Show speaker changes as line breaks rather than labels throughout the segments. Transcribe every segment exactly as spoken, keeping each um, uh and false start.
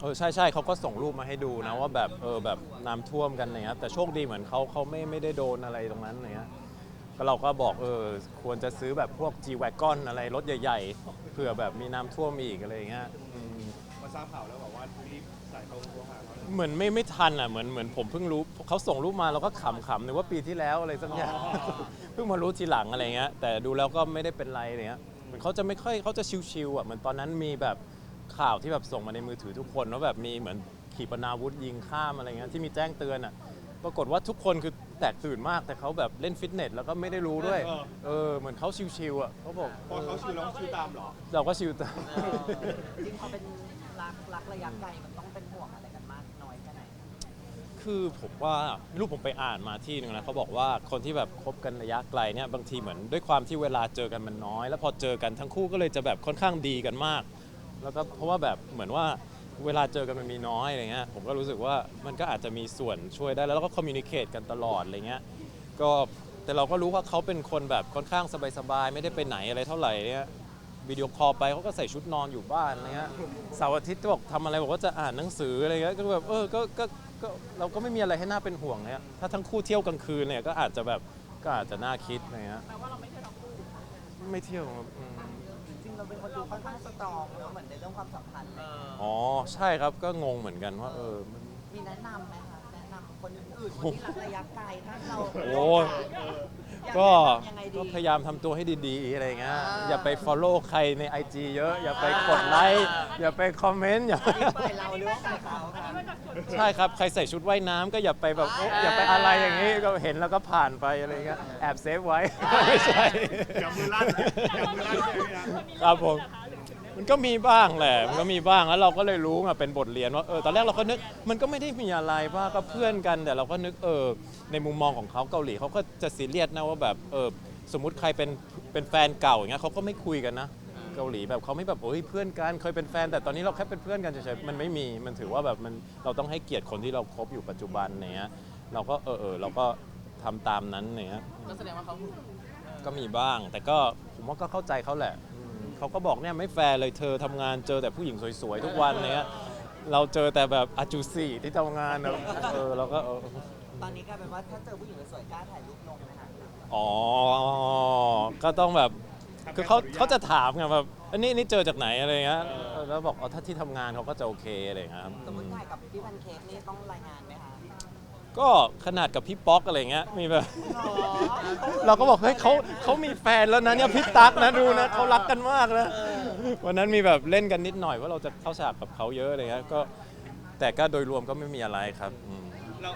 อใช่ใช่เขาก็ส่งรูปมาให้ดูนะว่าแบบเออแบบน้ำท่วมกันอะไรเงี้ยแต่โชคดีเหมือนเขาเขาไม่ไม่ได้โดนอะไรตรงนั้นอะไรเงี้ยก็เราก็บอกเออควรจะซื้อแบบพวก G-Wagon อะไรรถใหญ่ๆเผื่อแบบมีน้ำท่วมอีกอะไรเงี้ยอืม
มาทราบข่าวแล้วบอกว่ารีบสายตรงโทรหาเขาเลย
เหมือนไม่ไม่ทันอ่ะเหมือนเหมือนผมเพิ่งรู้เขาส่งรูปมาเราก็ขำๆนึกว่าปีที่แล้วอะไรสักอย่าง เพิ่งมารู้ทีหลังอะไรเงี้ยแต่ดูแล้วก็ไม่ได้เป็นไรอะไรเงี้ยเหมือนเขาจะไม่ค่อยเขาจะชิวๆอ่ะเหมือนตอนนั้นมีแบบข่าวที่แบบส่งมาในมือถือทุกคนว่าแบบมีเหมือนขีปนาวุธยิงข้ามอะไรเงี้ยที่มีแจ้งเตือนอ่ะปรากฏว่าทุกคนคือแตกตื่นมากแต่เขาแบบเล่นฟิตเนสแล้วก็ไม่ได้รู้ด้วยเออเหมือนเขาชิวๆอ่ะเขาบอก
พอเขาชิวแล้วชิวตามเหรอ
เราก็ชิวตาม
เออจริงเขาเป็นรักรักระยะไกลมันต้องเป็นห่วงอะไรกันมากน้อยแค่ไหน
คือผมว่าไม่รู้ผมไปอ่านมาที่หนึงนะเขาบอกว่าคนที่แบบคบกันระยะไกลเนี่ยบางทีเหมือนด้วยความที่เวลาเจอกันมันน้อย แล้วพอเจอกันทั้งคู่ก็เลยจะแบบค่อนข้างดีกันมาก แล้วก็เพราะว่าแบบเหมือนว่าเวลาเจอกันมันมีน้อยอะไรเงี้ยผมก็รู้สึกว่ามันก็อาจจะมีส่วนช่วยได้แล้วเราก็คอมมิวนิเคตกันตลอดอะไรเงี้ยก็แต่เราก็รู้ว่าเขาเป็นคนแบบค่อนข้างสบายๆไม่ได้ไปไหนอะไรเท่าไหร่เนี่ยวิดีโอคอลไปเขาก็ใส่ชุดนอนอยู่บ้านอะไรเงี้ยเสาร์อาทิตย์ก็บอกทำอะไรบอกว่าจะอ่านหนังสืออะไรเงี้ยก็แบบเออก็ก็ก็เราก็ไม่มีอะไรให้น่าเป็นห่วงเนี่ยถ้าทั้งคู่เที่ยวกลางคืนเนี่ยก็อาจจะแบบก็อาจจะน่าคิดอะไรเงี้ยแปลว่าเราไม่เที่ยวทั้งคู่ไม่เที่ยวครับอืม
จริงๆเราเป็นคนดูค่อนข้างสตรองเนอะเหมือนในเรื่องความสัมพันธ์เลย
อ๋อใช่ครับก็งงเหมือนกันว่าเออมัน
มีแนะนำไหมคะแนะนำคนอื่นๆคนที่รักระยะไกลถ้าเรา
โอ้ย
อยา
ก็
แนะนำยังไงดี
ก็พยายามทำตัวให้ดีๆอะไรเงี้ย
อ่า
อย่าไป follow ใครใน ไอ จี เยอะ อย่าไปกดไลค์อย่าไปคอมเมนต์อย่า
อันนี้ฝ่ายเราหรือว่าฝ่ายเขาคะ
ใช่ครับใครใส่ชุดว่ายน้ำก็อย่าไปแบบโอ๊ะอย่าไปอะไรอย่างนี้ก็เห็นแล้วก็ผ่านไปอะไรเงี้ยแอบเซฟไว้ ไม่ใช่
อย่ามือลั่นอย่ามือลั่นใช่ไหมครับ
ครับผมมันก็มีบ้างแหละมันก็มีบ้างแล้วเราก็เลยรู้มาเป็นบทเรียนว่าเออตอนแรกเราก็นึกมันก็ไม่ได้มีอะไรว่าก็เพื่อนกันแต่เราก็นึกเออในมุมมองของเขาเกาหลีเขาก็จะซีเรียสนะว่าแบบเออสมมุติใครเป็นเป็นแฟนเก่าอย่างเงี้ยเขาก็ไม่คุยกันนะเกาหลีแบบเขาไม่แบบโอ้ยเพื่อนกันเคยเป็นแฟนแต่ตอนนี้เราแค่เป็นเพื่อนกันเฉยๆมันไม่มีมันถือว่าแบบมันเราต้องให้เกียรติคนที่เราคบอยู่ปัจจุบันเนี้ยเราก็เออเออเราก็ทำตามนั้นเนี้ย
ก็แสดงว่าเขา
ก็มีบ้างแต่ก็ผมว่าก็เข้าใจเขาแหละอืมเขาก็บอกเนี่ยไม่แฟร์เลยเธอทำงานเจอแต่ผู้หญิงสวยๆทุกวันเนี้ยเราเจอแต่แบบอาจูซี่ที่ทำงานนะเออเราก็เออ
ตอนนี้กลายเป็นว่าถ้าเจอผู้หญิงสวยๆกล้าถ่ายรูปลงไหมคะ
อ๋อก็ต้องแบบคือเขาเขาจะถามไงแบบอันนี้นี่เจอจากไหนอะไรเงี้ยเออแล้วบอกอ๋อถ้าที่ทำงานเขาก็จะโอเคอะไรเงี้ยครับ
สมมติถ่ายกับพี่แพนเค้กนี่ต้องรายงานไหมคะ
ก็ขนาดกับพี่ป๊อกอะไรเงี้ยมีแบบ
หรอ
เราก็บอกเฮ้ยเขาเขามีแฟนแล้วนะเนี่ยพี่ตั๊กนะดูนะเขารักกันมากนะวันนั้นมีแบบเล่นกันนิดหน่อยว่าเราจะเข้าฉากกับเขาเยอะอะไรเงี้ยก็แต่ก็โดยรวมก็ไม่มีอะไรครับอืม
เรา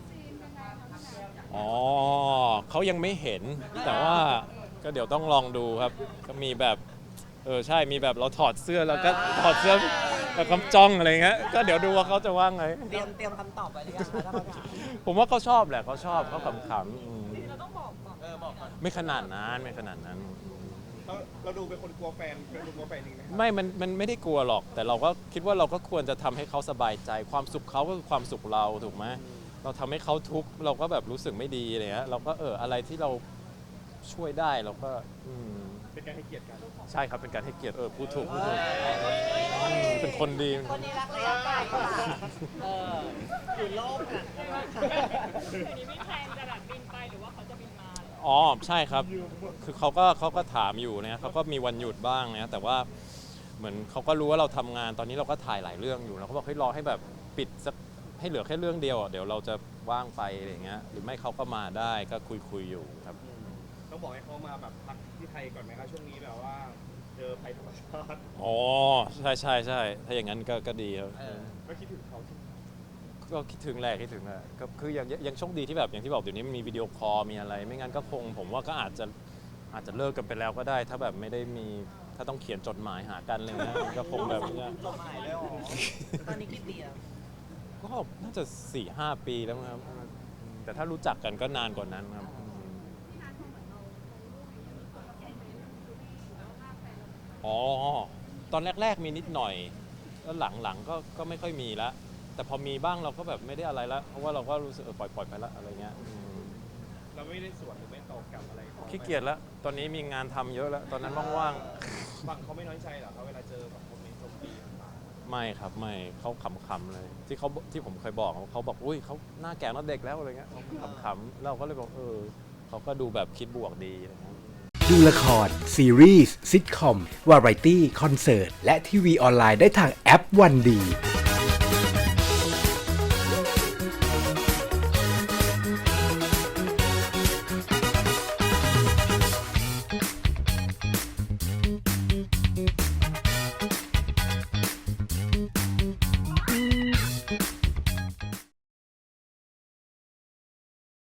อ๋อเขายังไม่เห็นแต่ว่าก็เดี๋ยวต้องลองดูครับก็มีแบบเออใช่มีแบบเราถอดเสื้อแล้วก็ถอดเสื้อแล้วก็จ้องอะไรเงี้ยก็เดี๋ยวดูว่าเขาจะว่าไง
เตรียมเตรียมคำตอบไว้หรือยังคะถ้าเขาถาม
ผมว่าเขาชอบแหละเขาชอบเขาขำๆอืม
เราต้องบอกก่อนเออบอกก่อน
ไม่ขนาดนั้นไม่ขนาดนั้น
เราเราดูเป็นคนกลัวแฟนเป็นคนกลัวแฟนจริงไหมครับ
ไม่มันมันไม่ได้กลัวหรอก แต่เราก็คิดว่าเราก็ควรจะทำให้เขาสบายใจ ความสุขเขาก็คือความสุขเราถูกไหมเราทำให้เขาทุกข์เราก็แบบรู้สึกไม่ดีอะไรเงี้ยเราก็เอออะไรที่เราช่วยได้เราก็อืม
เป็นการให้เกียรติกัน
ใช่ครับเป็นการให้เกียรติเออพูดถูกพูดถูกอืมเป็นคนดี
คนนี้รักระยะไกลกว่าเอออยู่โลกอ่ะ
ทีนี้มีแพลนจะแบบบินไปหรือว่าเขาจะบินมาเหรอ
อ๋อใช่ครับ คือเขาก็เขาก็ถามอยู่เนี่ยเขาก็มีวันหยุดบ้างเนี่ยแต่ว่าเหมือนเขาก็รู้ว่าเราทำงานตอนนี้เราก็ถ่ายหลายเรื่องอยู่แล้วเขาบอกให้รอให้แบบปิดสักให้เหลือแค่เรื่องเดียวอ่ะเดี๋ยวเราจะว่างไปอะไรอย่างเงี้ยหรือไม่เขาก็มาได้ก็คุยคุยๆอยู่ครับ
ต้องบอกให้เขามาแบบพักที่ไทยก่อนไหมครับช่วงนี้แบบว่าเจอภัยธรรมชาติ
อ๋อใช่ใช่ใช่ถ้าอย่างนั้นก็ก็ดีครับ
ก็คิดถึงเขาใช่ไหม
ก็คิดถึงแหละคิดถึงแหละก็คือยังยังโชคดีที่แบบอย่างที่บอกเดี๋ยวนี้มันมีวิดีโอคอลมีอะไร ไม่งั้นก็คงผมว่าก็อาจจะอาจจะเลิกกันไปแล้วก็ได้ ถ้าแบบไม่ได้มีถ้าต้องเขียนจดหมายหากันอะไรเงี้ยก็คงแบบเนี้ย
จดหมายเลยเหรอตอนนี้กี่ปีแล้ว
ก็น่าจะสี่ห้าปีแล้วมั้งครับแต่ถ้ารู้จักกันก็นานกว่านั้นครับอ๋อตอนแรกๆมีนิดหน่อยแล้วหลังๆก็ก็ไม่ค่อยมีละแต่พอมีบ้างเราก็แบบไม่ได้อะไรละเพราะว่าเราก็รู้สึกเออปล่อยปล่อยไปละอะไรเงี้ยอืม
เราไม่ได้สวนหรือไม่ตอบกลับอะไรเขา
ขี้เกียจแล้ว ตอนนี้มีงานทำเยอะแล้ว ตอนนั้นว่าง
ฝั่งเขาไม่น้อยใจเหรอเขาเวลาเจอแบบคอมเมนต์โจมตีต่าง
ไม่ครับไม่เขาขำๆเลย ที่เขาที่ผมเคยบอกเขาบอกอุ้ยเขาหน้าแก่หน้าเด็กแล้วอะไรเงี้ยเขาขำๆเราก็เลยบอกเออเขาก็ดูแบบคิดบวกดีอะไรเงี้ย
ดูละคร ซีรีส์ซิทคอม วาไรตี้ คอนเสิร์ต และทีวีออนไลน์ได้ทางแอปวันดี